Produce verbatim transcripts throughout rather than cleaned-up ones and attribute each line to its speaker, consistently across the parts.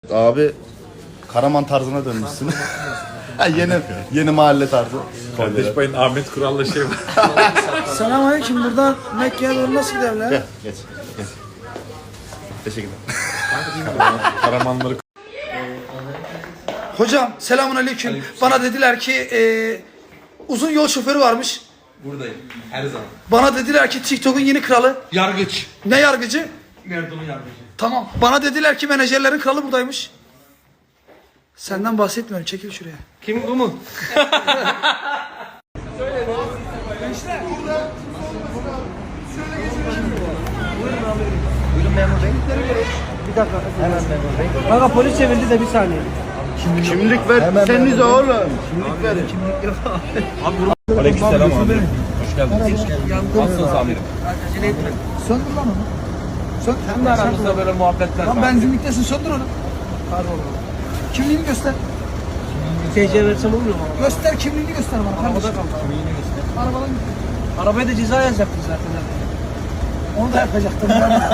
Speaker 1: Abi Karaman tarzına dönmüşsün. Ha, yeni yeni mahalle tarzı.
Speaker 2: Kardeş payın Ahmet Kural'la şey var.
Speaker 3: Selamünaleyküm. Buradan Mekke'ye doğru nasıl gidelim lan?
Speaker 1: Gel geç. Geç. Teşekkürler.
Speaker 2: Karamanları
Speaker 3: Hocam selamünaleyküm. Bana dediler ki e, uzun yol şoförü varmış.
Speaker 4: Buradayım. Her zaman.
Speaker 3: Bana dediler ki TikTok'un yeni kralı.
Speaker 4: Yargıç.
Speaker 3: Ne yargıcı?
Speaker 4: Erdoğan'ın yargıcı.
Speaker 3: Tamam. Bana dediler ki menajerlerin kralı buradaymış. Senden bahsetmiyorum. Çekil şuraya.
Speaker 4: Kim bu mu?
Speaker 5: Buyurun memur bey. Bir dakika. Hemen memur bey. Kanka polis çevirdi de bir saniye.
Speaker 1: Kimlik ver. Seniz oğlum. Kimlik verin.
Speaker 2: Aleykümselam amirim. Hoş geldiniz. Nasılsınız amirim?
Speaker 3: Söndür lan onu. Söndür.
Speaker 5: Hem de aramızda böyle muhabbetler
Speaker 3: Lan
Speaker 5: var.
Speaker 3: benzinliktesin. Söndür onu.
Speaker 5: Pardon.
Speaker 3: Kimliğini göster.
Speaker 5: T C versem olmuyor mu?
Speaker 3: Göster kimliğini göster bana.
Speaker 5: Arabada
Speaker 3: kardeşim.
Speaker 5: kaldı.
Speaker 3: Arabadan git.
Speaker 5: Arabaya da ceza yazacaktı zaten.
Speaker 3: Onu da yapacaktım.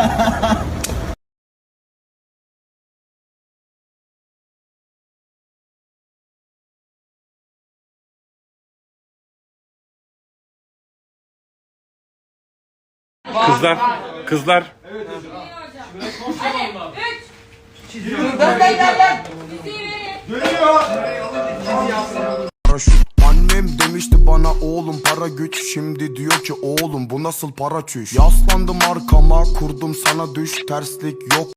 Speaker 2: Kızlar, kızlar.
Speaker 6: Annem demişti bana oğlum para güç. Şimdi diyor ki oğlum bu nasıl para çüş. Yaslandım arkama kurdum sana düş. Terslik yok.